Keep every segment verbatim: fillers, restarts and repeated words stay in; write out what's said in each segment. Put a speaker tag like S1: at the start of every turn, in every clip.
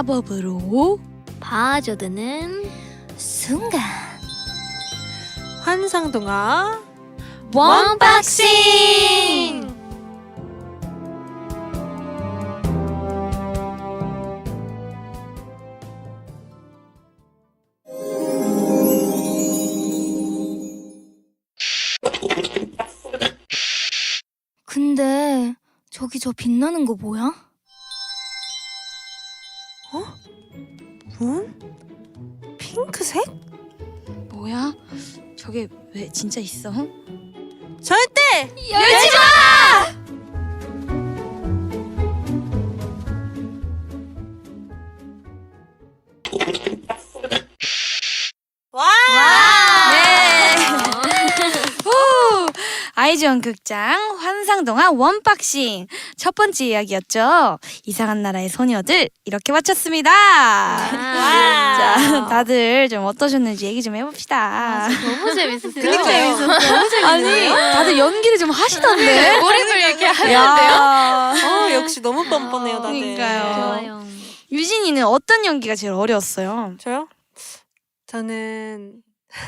S1: 마법으로
S2: 봐줘드는 순간
S3: 환상동화
S2: 원박싱! 근데 저기 저 빛나는 거 뭐야?
S3: 문? 핑크색?
S1: 뭐야? 저게 왜 진짜 있어?
S3: 절대!
S2: 열지 마!
S3: 와!
S1: 네. 후! 아이즈원 극장 환상동화 원박싱 첫 번째 이야기였죠. 이상한 나라의 소녀들 이렇게 마쳤습니다. 자, 다들 좀 어떠셨는지 얘기 좀 해봅시다.
S2: 너무 재밌었어요.
S3: 그니까요. 재밌었어. 너무 재밌네요.
S1: 아니, 다들 연기를 좀 하시던데.
S2: 몰입을 이렇게
S1: 야.
S3: 어, 역시 너무 뻔뻔해요, 다들.
S1: 그러니까요.
S2: 좋아요.
S1: 유진이는 어떤 연기가 제일 어려웠어요?
S3: 저요? 저는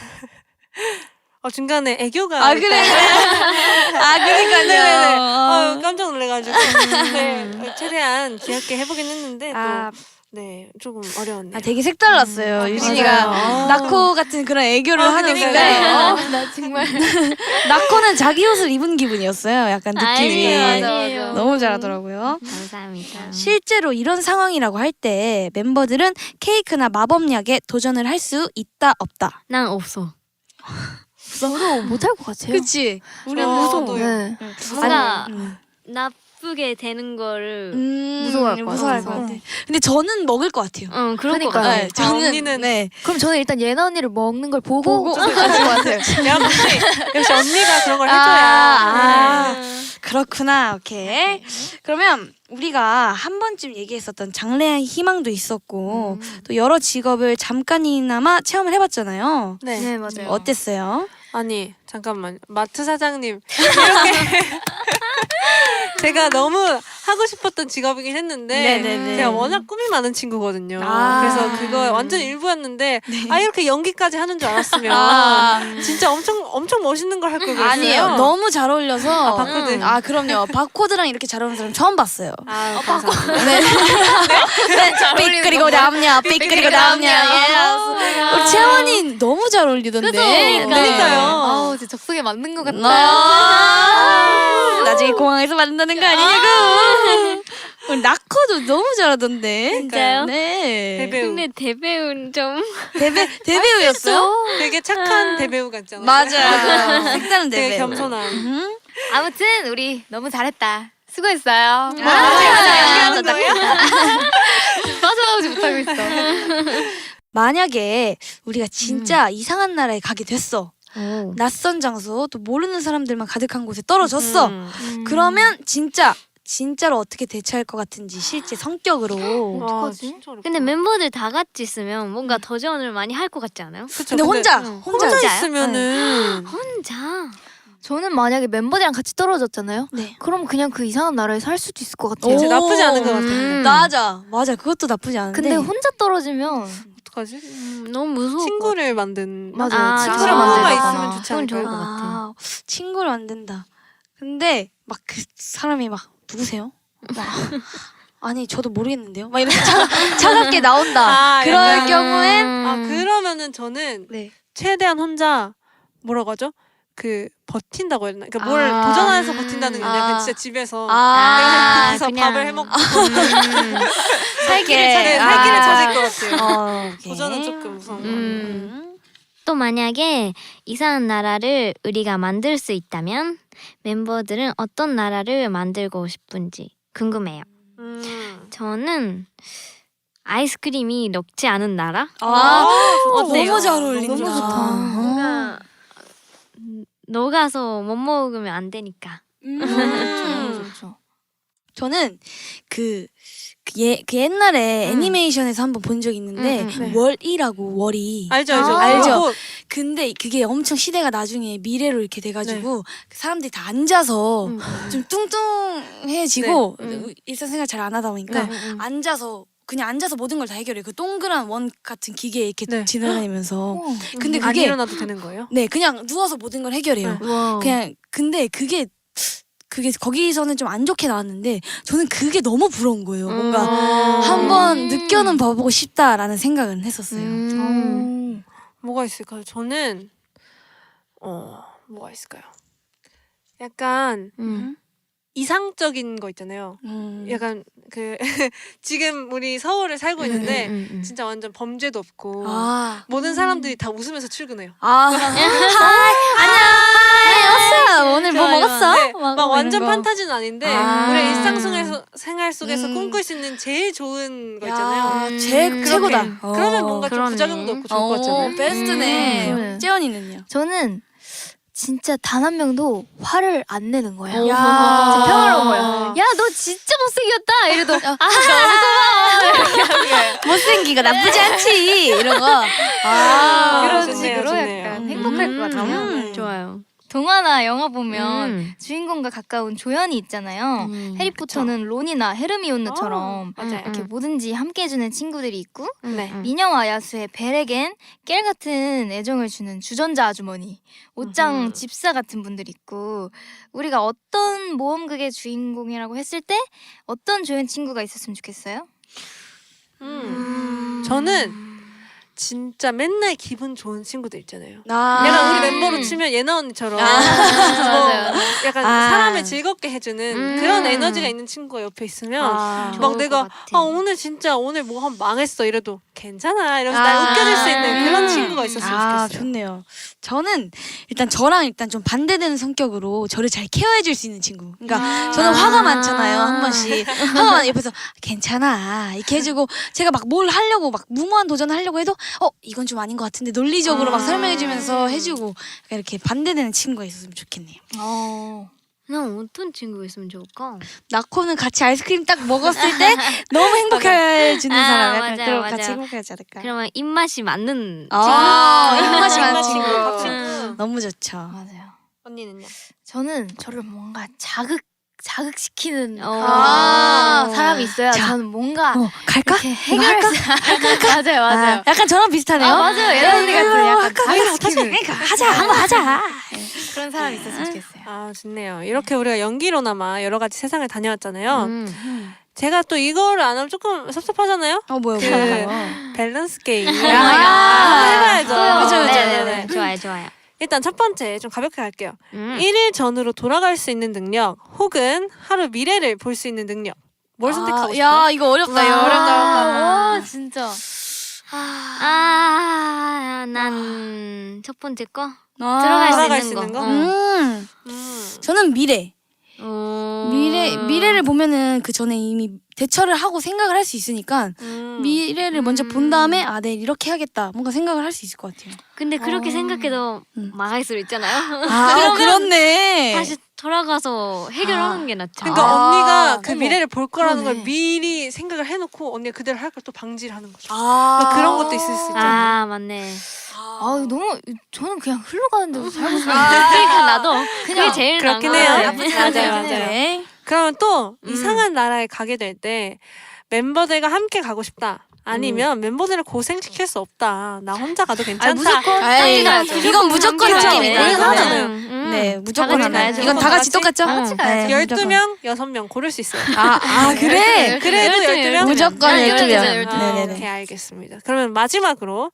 S3: 어, 중간에 애교가
S1: 아 그래? 아
S3: 네네네.
S1: 그러니까요.
S3: 어, 깜짝 놀래가지고 네, 최대한 귀엽게 해보긴 했는데
S1: 아,
S3: 또 네, 조금 어려웠네요.
S1: 아 되게 색달랐어요.
S3: 음,
S1: 유진이가
S3: 맞아요.
S1: 나코 같은 그런 애교를
S3: 어,
S1: 하는데
S3: 그러니까요.
S1: 어?
S2: 나 정말
S1: 나코는 자기 옷을 입은 기분이었어요. 약간 느낌이.
S2: 아니에요, 맞아요.
S1: 너무 잘하더라고요.
S2: 감사합니다.
S1: 실제로 이런 상황이라고 할 때 멤버들은 케이크나 마법약에 도전을 할 수 있다 없다.
S2: 난 없어. 저도 못할 것 같아요.
S1: 그치? 우리
S3: 어,
S1: 무서워.
S3: 저도요.
S2: 네.
S1: 응.
S2: 뭔가
S1: 아니, 음.
S2: 나쁘게 되는 거를
S1: 음,
S2: 무서워할 것
S1: 무서워할
S2: 같아서.
S1: 것 같아. 근데 저는 먹을 것 같아요.
S2: 응 그런 거
S4: 그러니까요.
S2: 같아요.
S1: 네, 저는
S3: 언니는-
S1: 네.
S4: 그럼 저는 일단 예나 언니를 먹는 걸 보고,
S1: 보고
S4: 할 것 같아요.
S3: 역시 역시 언니가 그런 걸
S1: 아,
S3: 해줘야.
S1: 아.
S3: 네.
S1: 그렇구나. 오케이. 그러면 우리가 한 번쯤 얘기했었던 장래의 희망도 있었고 또 여러 직업을 잠깐이나마 체험을 해봤잖아요.
S3: 네.
S4: 네, 맞아요.
S1: 어땠어요?
S3: 아니 잠깐만 마트 사장님 이렇게 제가 너무 하고 싶었던 직업이긴 했는데
S1: 네네네.
S3: 제가 워낙 꿈이 많은 친구거든요.
S1: 아.
S3: 그래서 그거 완전 일부였는데 아 이렇게 연기까지 하는 줄 알았으면
S1: 아.
S3: 진짜 엄청 엄청 멋있는 걸 할 걸 그랬어요.
S1: 아니에요. 너무 잘 어울려서.
S3: 아, 바코드.
S1: 아 그럼요. 바코드랑 이렇게 잘 어울리는 사람 처음 봤어요.
S3: 아, 감사합니다.
S1: 네. 삑 그리고 남냐, 삑 그리고 남냐. 우리 채원이 너무 잘 어울리던데.
S2: 그죠?
S3: 그러니까요.
S4: 아우, 진짜 적성에 맞는 것 같다.
S1: 아, 나중에 공항에서 만나는 거 아니냐고. 우리 나커도 너무 잘하던데.
S2: 진짜요?
S1: 네.
S3: 대배우.
S2: 근데 대배우는 좀
S1: 대배 대배우였어요?
S3: 되게 착한 대배우 같잖아요.
S1: 맞아요. 색다른
S3: 되게
S1: 대배우.
S3: 겸손한.
S1: 음.
S4: 아무튼 우리 너무 잘했다. 수고했어요.
S1: 아,
S3: 연기하는 거예요?
S4: 빠져나오지 못하고 있어.
S1: 만약에 우리가 진짜 이상한 나라에 가게 됐어.
S2: 오.
S1: 낯선 장소 또 모르는 사람들만 가득한 곳에 떨어졌어.
S3: 음.
S1: 그러면 진짜 진짜로 어떻게 대처할 것 같은지 실제 성격으로.
S3: 와,
S4: 어떡하지?
S3: 진짜 어렵다.
S2: 근데 멤버들 다 같이 있으면 뭔가 도전을 많이 할 것 같지 않아요?
S3: 그쵸,
S1: 근데 혼자
S3: 응.
S1: 혼자
S3: 혼자
S2: 혼자요?
S3: 있으면은
S2: 혼자.
S4: 저는 만약에 멤버들이랑 같이 떨어졌잖아요.
S1: 네.
S4: 그럼 그냥 그 이상한 나라에 살 수도 있을 것 같아요.
S1: 오.
S3: 이제 나쁘지 않은 것 같아요.
S2: 음.
S1: 맞아 맞아 그것도 나쁘지 않은데.
S4: 근데 혼자 떨어지면
S3: 어떡하지?
S2: 음, 너무 무서워.
S3: 친구를 만든
S4: 맞아요.
S2: 아,
S4: 친구를
S2: 친구가
S4: 만들거나.
S3: 있으면 좋지
S2: 그건 좋을
S3: 않을까요?
S2: 것 같아.
S1: 아, 친구를 만든다. 근데 막 그 사람이 막 누구세요? 막 아니 저도 모르겠는데요. 막 이렇게 차, 차갑게 나온다.
S3: 아,
S1: 그럴
S3: 약간-
S1: 경우엔
S3: 아 그러면은 저는
S1: 네.
S3: 최대한 혼자 뭐라고 하죠? 그 버틴다고 해야 되나? 그러니까 뭘
S1: 아.
S3: 도전하면서 버틴다는 게 아니라
S1: 아.
S3: 그냥 진짜 집에서
S1: 아,
S3: 그래서
S2: 그냥.
S3: 밥을 해먹고
S1: 살기를
S3: 찾- 네, 살기를 찾을 것 같아요.
S1: 어, 오케이.
S3: 도전은 조금 무서운 거.
S2: 음.
S1: 음.
S2: 또 만약에 이상한 나라를 우리가 만들 수 있다면 멤버들은 어떤 나라를 만들고 싶은지 궁금해요.
S3: 음.
S2: 저는 아이스크림이 녹지 않은 나라?
S1: 아,
S2: 어때요?
S1: 너무 잘 어울린다.
S4: 너무 좋다.
S2: 뭔가 음, 녹아서 못 먹으면 안 되니까.
S1: 음.
S4: 너무 좋죠.
S1: 저는 그, 그, 예, 그 옛날에
S2: 음.
S1: 애니메이션에서 한번 본 적 있는데
S2: 음, 음,
S3: 네.
S1: 월이라고 월이
S3: 알죠, 알죠.
S4: 아.
S1: 알죠?
S3: 로봇.
S1: 근데 그게 엄청 시대가 나중에 미래로 이렇게 돼가지고 그 사람들이 다 앉아서
S3: 음.
S1: 좀 뚱뚱해지고
S2: 네. 음.
S1: 일상생활 잘 안 하다 보니까
S3: 네.
S1: 앉아서 그냥 앉아서 모든 걸 다 해결해요. 그 동그란 원 같은 기계에 이렇게
S3: 네.
S1: 지나다니면서.
S4: 어.
S1: 근데
S3: 안
S1: 그게
S3: 일어나도 되는 거예요?
S1: 네 그냥 누워서 모든 걸 해결해요.
S3: 네.
S2: 와.
S1: 그냥 근데 그게 그게 거기서는 좀 안 좋게 나왔는데 저는 그게 너무 부러운 거예요. 뭔가
S3: 음.
S1: 한번 느껴는 봐보고 싶다라는 생각은 했었어요.
S2: 음.
S4: 어.
S3: 뭐가 있을까요? 저는 어 뭐가 있을까요? 약간
S2: 음.
S3: 이상적인 거 있잖아요.
S1: 음.
S3: 약간 그 지금 우리 서울에 살고 있는데
S2: 음, 음.
S3: 진짜 완전 범죄도 없고
S1: 아.
S3: 모든 사람들이 다 웃으면서 출근해요.
S1: 아. 하이 안녕. 왔어. 오늘 뭐
S3: 좋아요.
S1: 먹었어?
S3: 네,
S1: 막
S3: 막
S1: 이런
S3: 완전
S1: 거.
S3: 판타지는 아닌데
S1: 아.
S3: 우리 일상 속에서 생활 속에서
S1: 음.
S3: 꿈꿀 수 있는 제일 좋은 거
S1: 야,
S3: 있잖아요.
S2: 음,
S1: 제
S2: 그렇게.
S1: 최고다.
S3: 그러면 뭔가 좀
S2: 그러네.
S3: 부작용도 없고 좋을 것
S1: 어,
S3: 같잖아요.
S1: 베스트네.
S4: 음.
S1: 재현이는요?
S4: 저는 진짜 단 한 명도 화를 안 내는 거예요.
S2: 오.
S1: 야.
S4: 진짜 평화로운 거예요. 야, 너 진짜 못생겼다. 이래도 아,
S1: 못생기가 나쁘지 않지. 이런 거. 아,
S3: 그런
S4: 그런
S3: 좋네요,
S4: 식으로
S3: 좋네요.
S4: 약간 행복할 것 같아요.
S1: 음.
S2: 좋아요.
S4: 동화나 영화 보면
S2: 음.
S4: 주인공과 가까운 조연이 있잖아요.
S2: 음,
S4: 해리포터는 론이나 헤르미온느처럼
S3: 어, 맞아요.
S4: 이렇게
S2: 음.
S4: 뭐든지 함께 해주는 친구들이 있고
S3: 네.
S2: 음.
S4: 미녀와 야수의 벨에겐 깰 같은 애정을 주는 주전자 아주머니, 옷장
S3: 음흠.
S4: 집사 같은 분들이 있고 우리가 어떤 모험극의 주인공이라고 했을 때 어떤 조연 친구가 있었으면 좋겠어요?
S3: 음. 저는 진짜 맨날 기분 좋은 친구들 있잖아요.
S1: 나.
S3: 약간 우리 멤버로 치면 예나 언니처럼
S1: 아.
S3: 뭐
S4: 맞아요.
S3: 약간
S1: 아.
S3: 사람을 즐겁게 해주는
S2: 음.
S3: 그런 에너지가 있는 친구가 옆에 있으면
S1: 아.
S3: 막
S2: 좋을
S3: 내가
S2: 것 같아.
S3: 아 오늘 진짜 오늘 뭐 한 망했어 이래도 괜찮아 이러면서
S1: 아.
S3: 날 웃겨줄 수 있는 그런
S2: 음.
S3: 친구가 있었으면
S1: 아,
S3: 좋겠어요.
S1: 좋네요. 저는 일단 저랑 일단 좀 반대되는 성격으로 저를 잘 케어해줄 수 있는 친구. 그러니까 저는 화가 많잖아요. 한 번씩 화가 많아 옆에서 괜찮아 이렇게 해주고 제가 막 뭘 하려고 막 무모한 도전을 하려고 해도 어 이건 좀 아닌 것 같은데 논리적으로 막
S3: 아.
S1: 설명해주면서 해주고 약간 이렇게 반대되는 친구가 있었으면 좋겠네요.
S4: 어.
S2: 난 어떤 친구가 있으면 좋을까?
S1: 나코는 같이 아이스크림 딱 먹었을 때 너무 행복해지는
S2: 아,
S1: 사람 약간
S2: 맞아요,
S1: 그럼
S2: 맞아요.
S1: 같이 행복하지 않을까?
S2: 그러면 입맛이 맞는
S1: 아,
S2: 친구.
S1: 입맛이 많은
S3: 친구,
S1: 친구.
S3: 밥 친구.
S2: 음.
S1: 너무 좋죠.
S4: 맞아요.
S3: 언니는요?
S4: 저는 저를 뭔가 자극 자극시키는
S2: 어.
S4: 아, 사람이 있어야
S1: 자.
S4: 저는 뭔가
S1: 어, 갈까?
S4: 이렇게 해결할 수 맞아요, 맞아요.
S1: 아, 약간 저랑 비슷하네요.
S4: 아, 맞아요. 예나 언니 같은 약간 자극시키는
S1: 그러니까 하자, 한번 하자.
S4: 그런 사람이 있었으면 좋겠어요.
S3: 아 좋네요. 이렇게 우리가 연기로나마 여러 가지 세상을 다녀왔잖아요.
S2: 음.
S3: 제가 또 이거를 안 하면 조금 섭섭하잖아요.
S1: 어 뭐요?
S3: 그
S1: 뭐요?
S3: 밸런스 게임.
S1: 야.
S3: 한번 해봐야죠.
S2: 아,
S1: 그죠, 그죠.
S2: 네네네. 좋아요, 좋아요.
S3: 일단 첫 번째 좀 가볍게 갈게요.
S2: 음.
S3: 일 일 전으로 돌아갈 수 있는 능력 혹은 하루 미래를 볼 수 있는 능력. 뭘 선택하고 싶어요?
S1: 야 이거 어렵다. 이거
S4: 와,
S1: 어렵다.
S4: 와, 진짜.
S2: 아, 난 첫 번째 거
S1: 아,
S2: 들어갈 수
S3: 돌아갈
S2: 있는
S3: 수
S2: 거.
S3: 있는 거?
S2: 어.
S1: 음,
S3: 음.
S1: 저는 미래.
S2: 어.
S1: 미래 미래를 보면은 그 전에 이미 대처를 하고 생각을 할 수 있으니까
S3: 음.
S1: 미래를 먼저 본 다음에 아 내일 이렇게 해야겠다. 뭔가 생각을 할 수 있을 것 같아요.
S2: 근데 그렇게
S4: 어.
S2: 생각해도
S1: 음.
S2: 망할 수도 있잖아요.
S1: 아 그렇네.
S2: 다시 돌아가서 해결하는
S1: 아.
S2: 게 낫죠.
S3: 그러니까
S1: 아,
S3: 언니가 그
S1: 어머.
S3: 미래를 볼 거라는
S4: 그러네.
S3: 걸 미리 생각을 해놓고 언니가 그대로 할 걸 또 방지를 하는 거죠.
S1: 아
S3: 그러니까 그런 것도 있을 수 있잖아요.
S2: 아, 맞네.
S4: 아, 너무 저는 그냥 흘러가는 대로 살고 싶어요.
S2: 그러니까 나도 그게
S4: 그냥
S2: 제일
S3: 그렇긴
S2: 나은
S3: 해요.
S2: 것 같아.
S3: 나쁘지 않아요.
S1: 맞아요,
S3: 맞아요.
S1: 맞아요.
S3: 그러면 또
S2: 음.
S3: 이상한 나라에 가게 될 때 멤버들과 함께 가고 싶다. 아니면 멤버들을 고생시킬 수 없다. 나 혼자 가도 괜찮다.
S4: 무조건
S1: 아이,
S4: 함께 가야죠.
S1: 이건 무조건
S2: 함께
S1: 함께입니다.
S2: 가야죠.
S3: 이건 하잖아요.
S2: 음.
S1: 네, 무조건
S2: 다 같이
S1: 하나요.
S2: 가야죠.
S1: 이건 다
S3: 다
S1: 같이
S3: 같이?
S1: 똑같죠?
S4: 다 같이 가야죠.
S1: 네,
S3: 열두
S1: 무조건.
S3: 명, 여섯 명 고를 수 있어요.
S1: 아, 아 그래?
S3: 그래도
S2: 열두
S3: 열두
S2: 명.
S3: 명?
S1: 무조건
S2: 아,
S1: 열두 명.
S2: 열두 명.
S3: 아,
S1: 네네네.
S3: 오케이, 알겠습니다. 그러면 마지막으로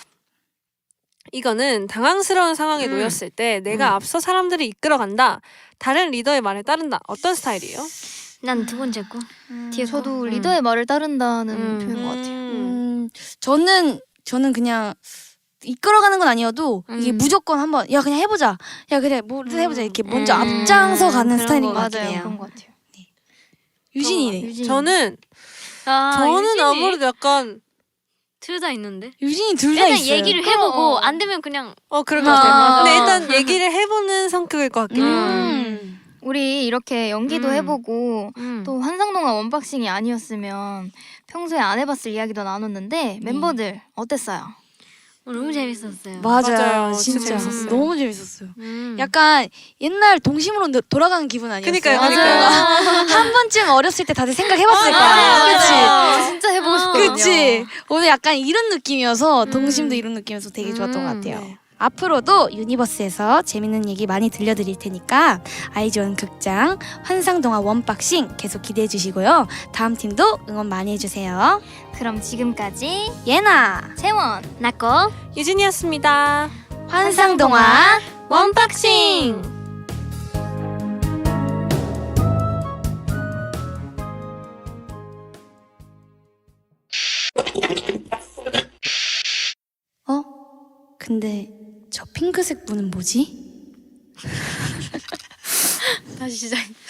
S3: 이거는 당황스러운 상황에
S2: 음.
S3: 놓였을 때 내가
S2: 음.
S3: 앞서 사람들이 이끌어간다. 다른 리더의 말에 따른다. 어떤 스타일이에요?
S2: 난 두 번째 거. 뒤에
S4: 저도
S2: 음.
S4: 리더의 말을 따른다는
S2: 음.
S4: 표현인 것 같아요.
S1: 음, 저는 저는 그냥 이끌어가는 건 아니어도 이게
S2: 음.
S1: 무조건 한번 야 그냥 해보자. 야 그래 뭐든 해보자 이렇게 먼저
S2: 음.
S1: 앞장서 가는
S2: 그런
S1: 스타일인
S2: 거
S1: 것 같긴
S2: 같아요.
S1: 해요.
S4: 그런 것 같아요.
S1: 유진이네.
S4: 유진이.
S3: 저는
S2: 아,
S3: 저는
S2: 유진이?
S3: 아무래도 약간
S2: 둘 다 있는데.
S1: 유진이 둘 다
S2: 일단
S1: 있어요.
S2: 얘기를 해보고
S4: 어.
S2: 안 되면 그냥
S3: 어 그럴 것
S1: 아,
S3: 같아요.
S1: 맞아.
S3: 근데 일단 얘기를 해보는 성격일 것 같긴 해요.
S1: 음.
S4: 우리 이렇게 연기도
S2: 음.
S4: 해보고
S2: 음.
S4: 또 환상동화 원박싱이 아니었으면 평소에 안 해봤을 이야기도 나눴는데 멤버들 어땠어요?
S2: 어, 너무 재밌었어요.
S1: 맞아요,
S3: 맞아요. 진짜
S1: 진짜
S3: 재밌었어요.
S1: 너무 재밌었어요.
S2: 음.
S1: 약간 옛날 동심으로 도- 돌아가는 기분 아니었어요?
S3: 그니까요,
S2: 맞아요.
S3: 그니까요.
S1: 한 번쯤 어렸을 때 다들 생각해봤을 거야.
S2: 맞아요.
S1: 그치?
S2: 맞아요.
S4: 진짜 해보고 싶거든요.
S1: 그치? 오늘 약간 이런 느낌이어서
S2: 음.
S1: 동심도 이런 느낌이어서 되게 좋았던 것
S2: 음,
S1: 같아요.
S3: 네.
S1: 앞으로도 유니버스에서 재밌는 얘기 많이 들려드릴 테니까 아이즈원 극장 환상동화 원박싱 계속 기대해 주시고요. 다음 팀도 응원 많이 해주세요.
S4: 그럼 지금까지
S1: 예나
S4: 채원
S2: 나꺼
S3: 유진이었습니다.
S1: 환상동화
S2: 원박싱.
S1: 어? 근데 저 핑크색 분은 뭐지?
S4: 다시 시작.